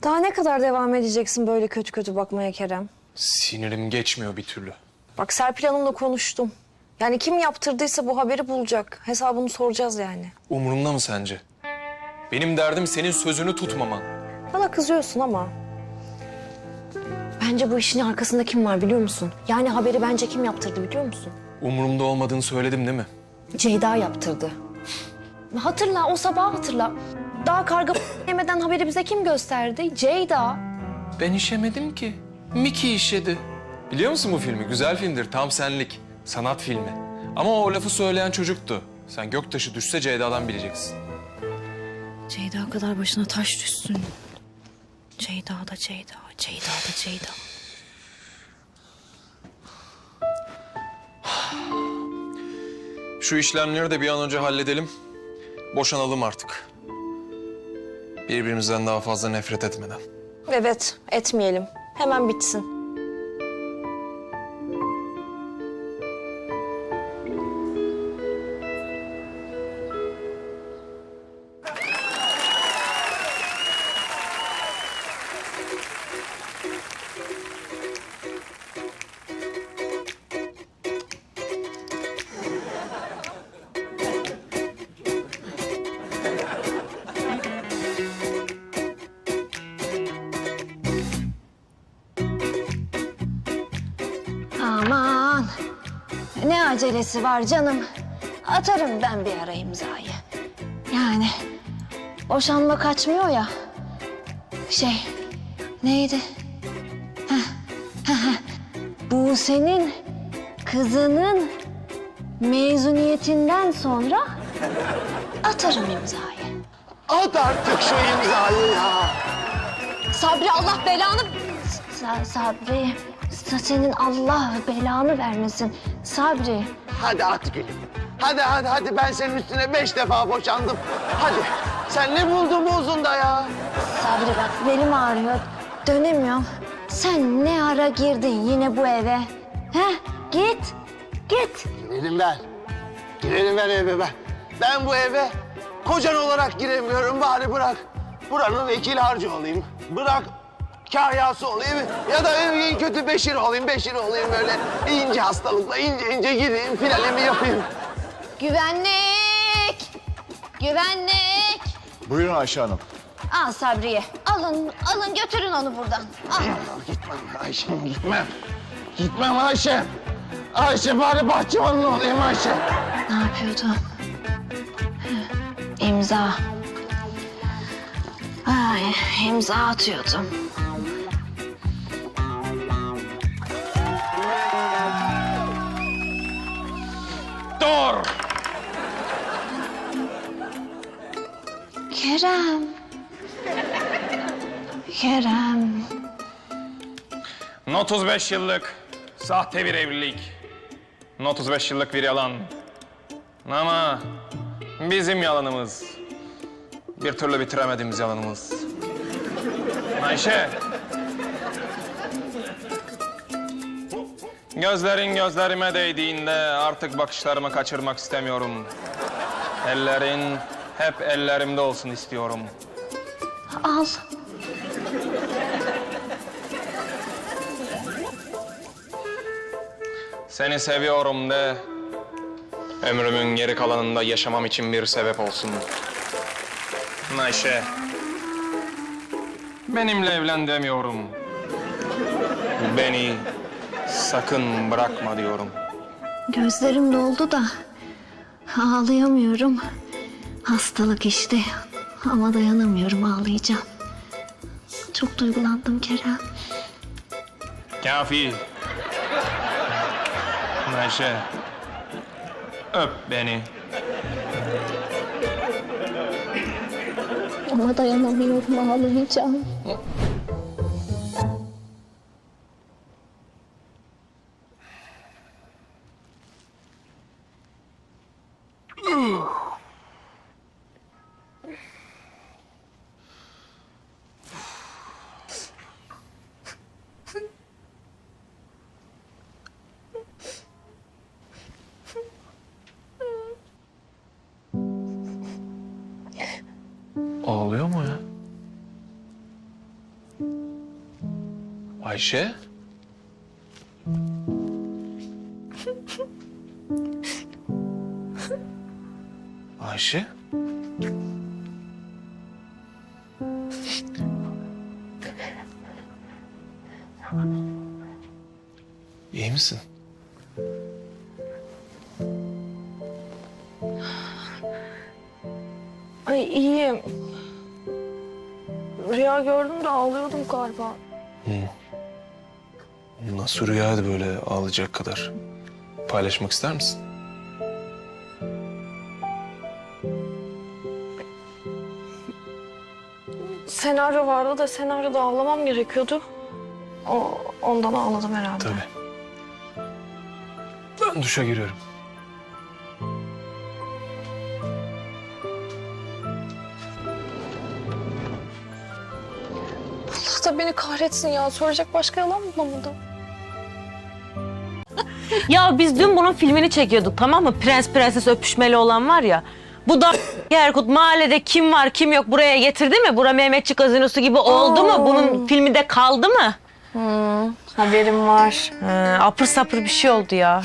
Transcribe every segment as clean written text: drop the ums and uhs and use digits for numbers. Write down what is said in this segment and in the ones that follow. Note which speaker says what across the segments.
Speaker 1: Daha ne kadar devam edeceksin böyle kötü kötü bakmaya Kerem?
Speaker 2: Sinirim geçmiyor bir türlü.
Speaker 1: Bak Serpil Hanım'la konuştum. Yani kim yaptırdıysa bu haberi bulacak. Hesabını soracağız yani.
Speaker 2: Umurumda mı sence? Benim derdim senin sözünü tutmaman.
Speaker 1: Bana kızıyorsun ama... Bence bu işin arkasında kim var biliyor musun? Yani haberi bence kim yaptırdı biliyor musun?
Speaker 2: Umurumda olmadığını söyledim değil mi?
Speaker 1: Ceyda yaptırdı. Hatırla, o sabahı hatırla. Daha karga yemeden haberi bize kim gösterdi? Ceyda.
Speaker 2: Ben işemedim ki. Miki işedi. Biliyor musun bu filmi? Güzel filmdir, tam senlik. Sanat filmi. Ama o lafı söyleyen çocuktu. Sen göktaşı düşse Ceyda'dan bileceksin.
Speaker 1: Ceyda kadar başına taş düşsün. Ceyda da Ceyda, Ceyda da Ceyda.
Speaker 2: Şu işlemleri de bir an önce halledelim. Boşanalım artık. Birbirimizden daha fazla nefret etmeden.
Speaker 1: Evet, etmeyelim. Hemen bitsin. Aman, ne acelesi var canım. Atarım ben bir ara imzayı. Yani boşanma kaçmıyor ya. Neydi? Bu senin kızının mezuniyetinden sonra atarım imzayı.
Speaker 3: At artık şu imzayı ya.
Speaker 1: Sabri Allah belanı... Sabri, senin Allah belanı vermesin. Sabri.
Speaker 3: Hadi at gülüm. Hadi ben senin üstüne 5 defa boşandım. Hadi. Sen ne buldun bu uzunda ya?
Speaker 1: Sabri bak belim ağrıyor. Dönemiyorum. Sen ne ara girdin yine bu eve? He? Git.
Speaker 3: Girelim ben eve ben. Ben bu eve kocan olarak giremiyorum. Bari bırak buranın vekil harcı olayım. Bırak kahyası olayım. Ya da en kötü Beşir olayım böyle. İnce hastalıkla ince gireyim, finalimi yapayım.
Speaker 1: Güvenlik. Güvenlik.
Speaker 4: Buyurun Ayşe Hanım.
Speaker 1: Al Sabri'yi. Alın götürün onu buradan. Al.
Speaker 3: Gitmem Ayşem, gitmem. Gitmem Ayşe. Ayşe bari bahçıvanın olayım Ayşe.
Speaker 1: Ne yapıyordum? İmza. Ay, imza atıyordum.
Speaker 2: Dur!
Speaker 1: Kerem.
Speaker 2: 35 yıllık sahte bir evlilik. 35 yıllık bir yalan. Ama bizim yalanımız. Bir türlü bitiremediğimiz yalanımız. Ayşe. Gözlerin gözlerime değdiğinde artık bakışlarımı kaçırmak istemiyorum. Ellerin hep ellerimde olsun istiyorum.
Speaker 1: Al.
Speaker 2: Seni seviyorum de ömrümün geri kalanında yaşamam için bir sebep olsun. Ayşe, benimle evlen demiyorum. Beni sakın bırakma diyorum.
Speaker 1: Gözlerim doldu da ağlayamıyorum. Hastalık işte ama dayanamıyorum ağlayacağım. Çok duygulandım Kerem.
Speaker 2: Kafi. Ayşe, öp beni.
Speaker 1: Ama dayanamıyorum ağlayacağım.
Speaker 2: Ağlıyor mu ya? Ayşe? Ayşe? İyi misin?
Speaker 4: Ay iyiyim. Rüya gördüm de ağlıyordum galiba.
Speaker 2: Nasıl rüyaydı böyle ağlayacak kadar? Paylaşmak ister misin?
Speaker 4: Senaryo vardı da senaryoda ağlamam gerekiyordu. Ondan ağladım herhalde.
Speaker 2: Tabii. Ben duşa giriyorum.
Speaker 4: Allah da beni kahretsin ya. Soracak başka yalan bulamadım.
Speaker 5: Ya biz dün bunun filmini çekiyorduk, tamam mı? Prens prenses öpüşmeli olan var ya. Bu da Erkut mahallede kim var kim yok buraya getirdi mi? Bura Mehmetçik gazinosu gibi oldu mu? Bunun filmi de kaldı mı?
Speaker 4: Haberim var.
Speaker 5: Apır sapır bir şey oldu ya.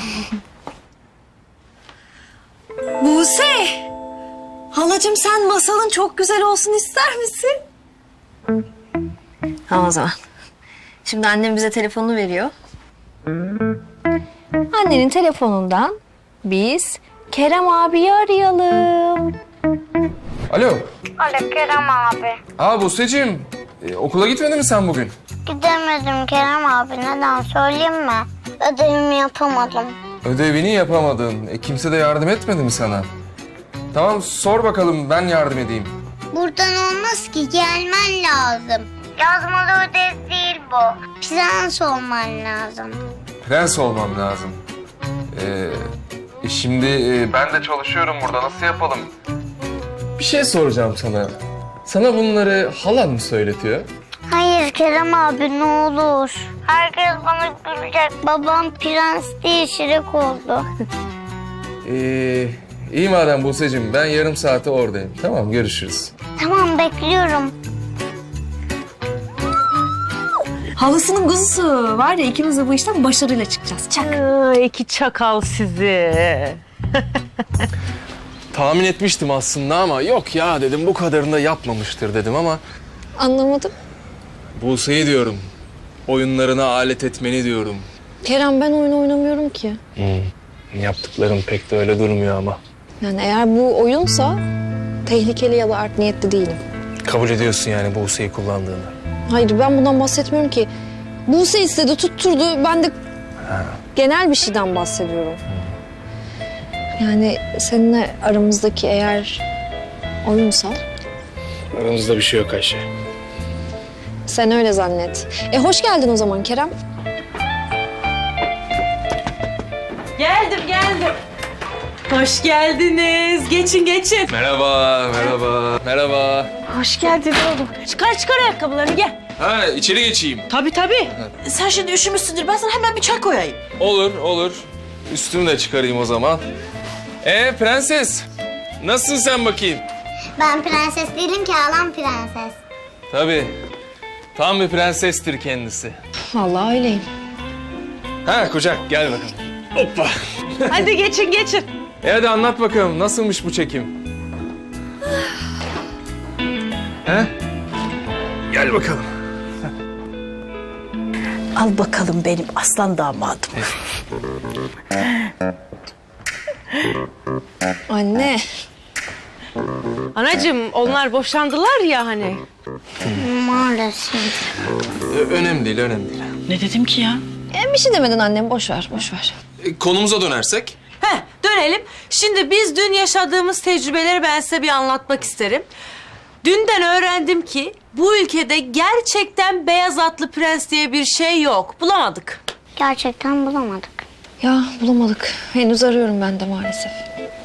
Speaker 1: Buse! Halacığım sen masalın çok güzel olsun ister misin?
Speaker 6: Tamam o zaman. Şimdi annem bize telefonunu veriyor. Annenin telefonundan biz Kerem abiyi arayalım.
Speaker 2: Alo.
Speaker 7: Alo Kerem abi.
Speaker 2: Buse'cim. Okula gitmedin mi sen bugün?
Speaker 7: Gidemedim Kerem abi. Neden söyleyeyim mi? Ödevimi yapamadım.
Speaker 2: Ödevini yapamadın. Kimse de yardım etmedi mi sana? Tamam sor bakalım ben yardım edeyim.
Speaker 7: Buradan olmaz ki. Gelmen lazım. Yazmalı ödev değil bu. Prens olman lazım.
Speaker 2: Prens olmam lazım. Şimdi ben de çalışıyorum burada. Nasıl yapalım? Bir şey soracağım sana. Sana bunları halan mı söyletiyor?
Speaker 7: Hayır Kerem abi ne olur. Herkes bana gülecek. Babam prens değil şirek oldu.
Speaker 2: İyi madem Buse'cim. Ben yarım saate oradayım. Tamam görüşürüz.
Speaker 7: Tamam bekliyorum.
Speaker 6: Halısının kuzusu var ya ikimiz de bu işten başarıyla çıkacağız. Çak.
Speaker 5: İki çakal sizi.
Speaker 2: Tahmin etmiştim aslında ama yok ya dedim bu kadarını da yapmamıştır dedim ama...
Speaker 4: Anlamadım.
Speaker 2: Buse'yi diyorum. Oyunlarına alet etmeni diyorum.
Speaker 4: Kerem ben oyun oynamıyorum ki.
Speaker 2: Yaptıkların pek de öyle durmuyor ama.
Speaker 4: Yani eğer bu oyunsa tehlikeli ya da art niyetli değilim.
Speaker 2: Kabul ediyorsun yani Buse'yi kullandığını.
Speaker 4: Hayır ben bundan bahsetmiyorum ki. Buse istedi tutturdu. Ben de genel bir şeyden bahsediyorum. Yani seninle aramızdaki eğer oyunsa
Speaker 2: Aramızda bir şey yok Ayşe.
Speaker 4: sen öyle zannet. Hoş geldin o zaman Kerem.
Speaker 5: Geldim. Hoş geldiniz. Geçin.
Speaker 2: Merhaba. Merhaba.
Speaker 5: Hoş geldin oğlum. Çıkar ayakkabılarını gel.
Speaker 2: Ha içeri geçeyim.
Speaker 5: Tabii.
Speaker 8: Sen şimdi üşümüşsündür. Ben sana hemen bir çay koyayım.
Speaker 2: Olur. Üstümü de çıkarayım o zaman. Prenses. Nasılsın sen bakayım?
Speaker 7: Ben prenses değilim ki halam prenses.
Speaker 2: Tabii. Tam bir prensestir kendisi.
Speaker 4: Vallahi öyleyim.
Speaker 2: Ha kucak gel bakalım. Hoppa.
Speaker 5: Hadi geçin.
Speaker 2: Hadi anlat bakalım nasılmış bu çekim? He? Gel bakalım.
Speaker 8: Al bakalım benim aslan damadım.
Speaker 4: Anne.
Speaker 5: Anacığım onlar boşandılar ya hani.
Speaker 7: Maalesef.
Speaker 2: Önemli değil.
Speaker 8: Ne dedim ki ya?
Speaker 4: Bir şey demedin annem boş ver.
Speaker 2: Konumuza dönersek?
Speaker 5: Dönelim. Şimdi biz dün yaşadığımız tecrübeleri ben size bir anlatmak isterim. Dünden öğrendim ki bu ülkede gerçekten beyaz atlı prens diye bir şey yok. Bulamadık.
Speaker 7: Gerçekten bulamadık.
Speaker 4: Ya bulamadık. Henüz arıyorum ben de maalesef.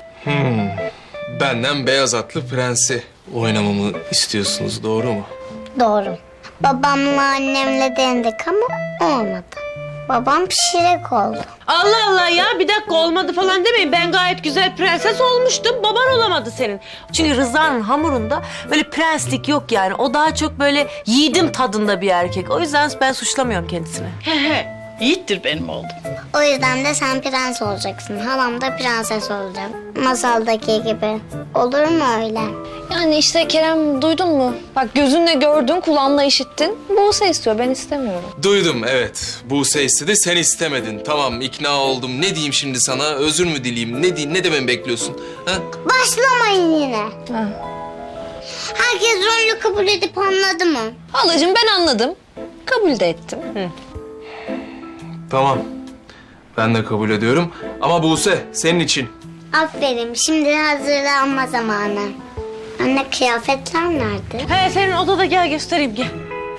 Speaker 2: Benden beyaz atlı prensi oynamamı istiyorsunuz doğru mu?
Speaker 7: Doğru. Babamla annemle denedik ama olmadı. Babam pişirek oldu.
Speaker 5: Allah Allah ya, bir dakika olmadı falan demeyin. Ben gayet güzel prenses olmuştum. Baban olamadı senin. Çünkü Rıza'nın hamurunda böyle prenslik yok yani. O daha çok böyle yiğidim tadında bir erkek. O yüzden ben suçlamıyorum kendisini.
Speaker 8: He he. Yiğittir benim oğlum.
Speaker 7: O yüzden de sen prens olacaksın. Halam da prenses olacak. Masaldaki gibi. Olur mu öyle?
Speaker 4: Yani işte Kerem duydun mu? Bak gözünle gördün, kulağınla işittin. Buse istiyor, ben istemiyorum.
Speaker 2: Duydum evet. Buse istedi, sen istemedin. Tamam, ikna oldum. Ne diyeyim şimdi sana? Özür mü dileyeyim? Ne diyeyim? Ne dememi bekliyorsun? Ha?
Speaker 7: Başlamayın yine.
Speaker 4: Ha.
Speaker 7: Herkes rolünü kabul edip anladı mı?
Speaker 4: Halacığım ben anladım. Kabul de ettim.
Speaker 2: Tamam. Ben de kabul ediyorum. Ama Buse, senin için.
Speaker 7: Aferin. Şimdi hazırlanma zamanı. Anne kıyafetler nerede?
Speaker 5: He, senin odada, gel göstereyim, gel.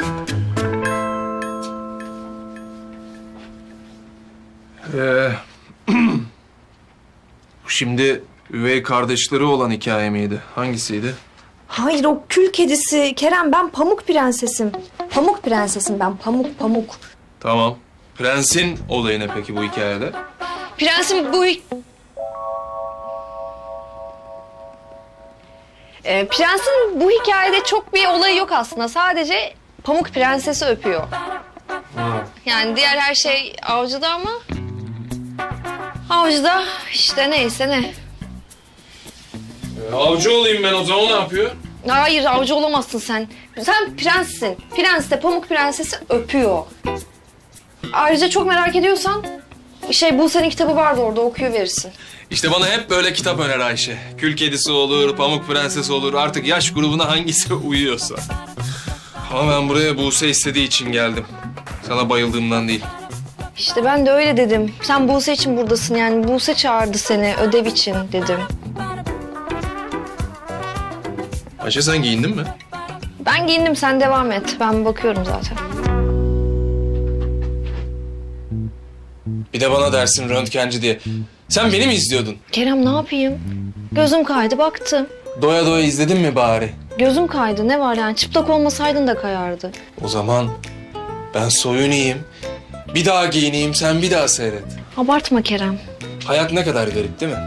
Speaker 2: Şimdi üvey kardeşleri olan hikaye miydi? Hangisiydi?
Speaker 6: Hayır o kül kedisi. Kerem ben pamuk prensesim. Pamuk prensesim ben pamuk.
Speaker 2: Tamam. Prensin olayı ne peki bu hikayede?
Speaker 4: Prensim bu... Prensin bu hikayede çok bir olayı yok aslında. Sadece Pamuk Prensesi öpüyor. Yani diğer her şey Avcı'da ama... Avcı'da işte neyse ne.
Speaker 2: Avcı olayım ben o zaman, ne yapıyor?
Speaker 4: Hayır avcı olamazsın sen. Sen prenssin. Prens de Pamuk Prensesi öpüyor. Ayrıca çok merak ediyorsan... Buse'nin kitabı vardı orada okuyuverirsin.
Speaker 2: İşte bana hep böyle kitap öner Ayşe. Kül kedisi olur, pamuk prenses olur. Artık yaş grubuna hangisi uyuyorsa. Ama ben buraya Buse istediği için geldim. Sana bayıldığımdan değil.
Speaker 4: İşte ben de öyle dedim. Sen Buse için buradasın yani. Buse çağırdı seni ödev için dedim.
Speaker 2: Ayşe sen giyindin mi?
Speaker 4: Ben giyindim sen devam et. Ben bakıyorum zaten.
Speaker 2: Bir de bana dersin röntgenci diye. Sen beni mi izliyordun?
Speaker 4: Kerem ne yapayım? Gözüm kaydı baktım.
Speaker 2: Doya doya izledin mi bari?
Speaker 4: Gözüm kaydı ne var yani çıplak olmasaydın da kayardı.
Speaker 2: O zaman ben soyunayım. Bir daha giyineyim, sen bir daha seyret.
Speaker 4: Abartma Kerem.
Speaker 2: Hayat ne kadar garip değil mi?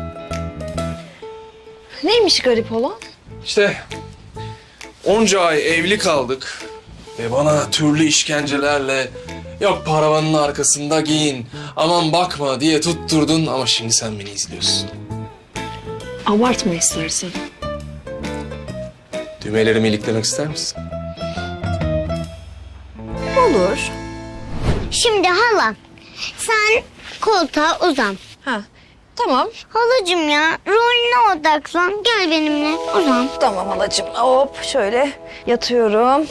Speaker 4: Neymiş garip olan?
Speaker 2: İşte onca ay evli kaldık ve bana türlü işkencelerle yok paravanın arkasında giyin, aman bakma diye tutturdun ama şimdi sen beni izliyorsun.
Speaker 4: Abartma istersen.
Speaker 2: Düğmelerimi iliklemek ister misin?
Speaker 4: Olur.
Speaker 7: Şimdi hala sen koltuğa uzan.
Speaker 4: Ha tamam.
Speaker 7: Halacığım ya rolüne odaklan. Gel benimle uzan.
Speaker 4: Tamam halacığım. Hop şöyle yatıyorum.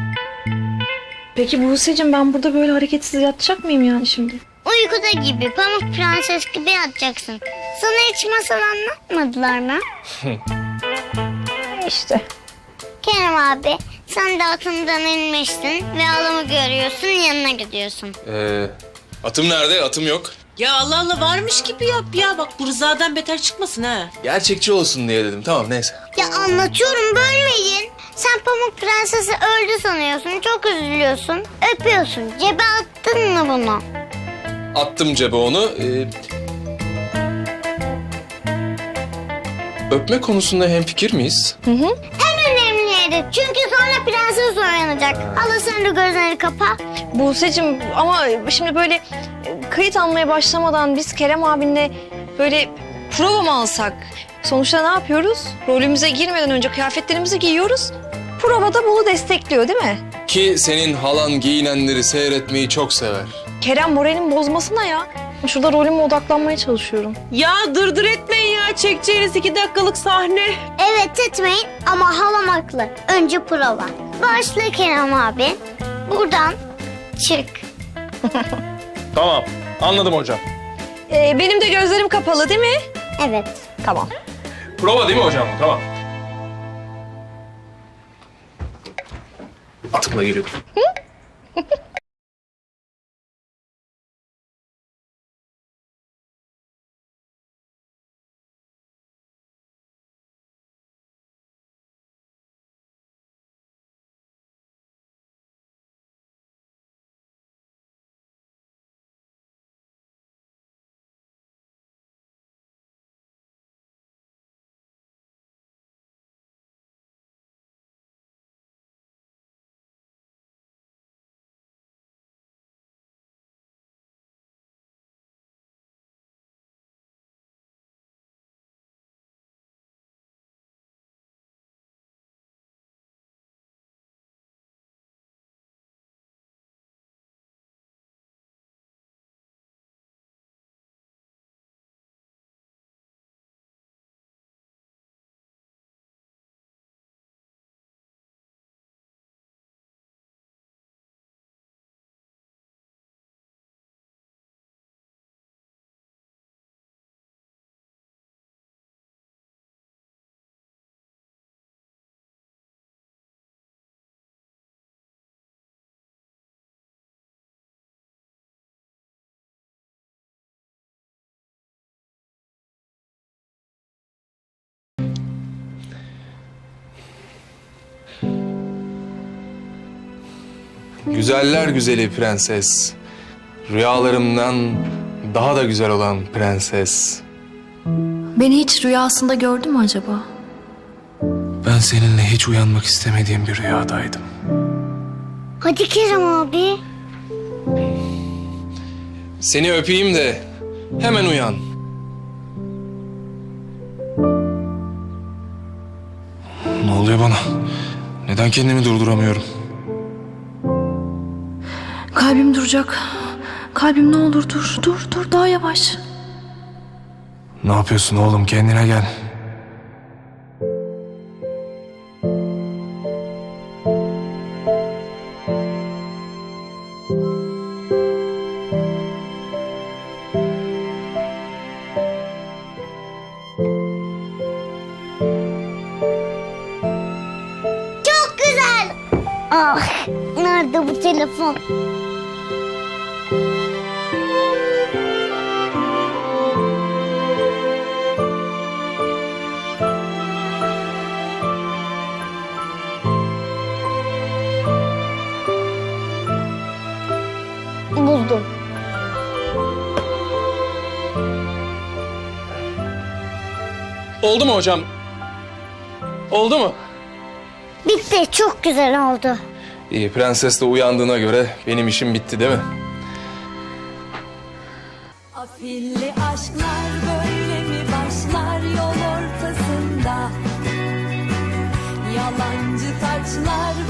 Speaker 4: Peki Buse'cim ben burada böyle hareketsiz yatacak mıyım yani şimdi?
Speaker 7: Uykuda gibi pamuk prenses gibi yatacaksın. Sana hiç masal anlatmadılar mı?
Speaker 4: İşte.
Speaker 7: Kerem abi sen de atından inmişsin ve halamı görüyorsun yanına gidiyorsun.
Speaker 2: Atım nerede? Atım yok.
Speaker 8: Ya Allah Allah varmış gibi yap ya. Bak bu Rıza'dan beter çıkmasın ha.
Speaker 2: Gerçekçi olsun diye dedim. Tamam neyse.
Speaker 7: Ya anlatıyorum bölmeyin. Sen pamuk prensesi öldü sanıyorsun çok üzülüyorsun. Öpüyorsun cebe attın mı bunu?
Speaker 2: Attım cebe onu. Öpme konusunda hemfikir miyiz?
Speaker 7: En önemli yeri çünkü sonra prenses uyanacak. Hala sen de gözlerini kapa.
Speaker 4: Buse'cim ama şimdi böyle kayıt almaya başlamadan biz Kerem abinle böyle prova mı alsak? Sonuçta ne yapıyoruz? Rolümüze girmeden önce kıyafetlerimizi giyiyoruz. Provada bunu destekliyor değil mi?
Speaker 2: Ki senin halan giyinenleri seyretmeyi çok sever.
Speaker 4: Kerem moralimi bozmasına ya. Şurada rolüme odaklanmaya çalışıyorum.
Speaker 5: Ya dırdır etmeyin ya. Çekeceğiniz 2 dakikalık sahne.
Speaker 7: Evet etmeyin ama halam haklı. Önce prova. Başla Kerem abi. Buradan çık.
Speaker 2: Tamam. Anladım hocam.
Speaker 4: Benim de gözlerim kapalı değil mi?
Speaker 7: Evet.
Speaker 4: Tamam.
Speaker 2: Prova değil mi hocam? Tamam. Atımla geliyorum. Güzeller güzeli prenses. Rüyalarımdan daha da güzel olan prenses.
Speaker 6: Beni hiç rüyasında gördü mü acaba?
Speaker 2: Ben seninle hiç uyanmak istemediğim bir rüyadaydım.
Speaker 7: Hadi Kerem abi.
Speaker 2: Seni öpeyim de hemen uyan. Ne oluyor bana? Neden kendimi durduramıyorum?
Speaker 6: Kalbim duracak. Kalbim ne olur dur daha yavaş.
Speaker 2: Ne yapıyorsun oğlum? Kendine gel.
Speaker 7: Çok güzel. Ah, nerede bu telefon? Buldum.
Speaker 2: Oldu mu hocam? Oldu mu?
Speaker 7: Bitti, çok güzel oldu.
Speaker 2: İyi, prenses de uyandığına göre benim işim bitti değil mi?
Speaker 9: Afilli aşklar böyle mi başlar yol ortasında? Yalancı taçlar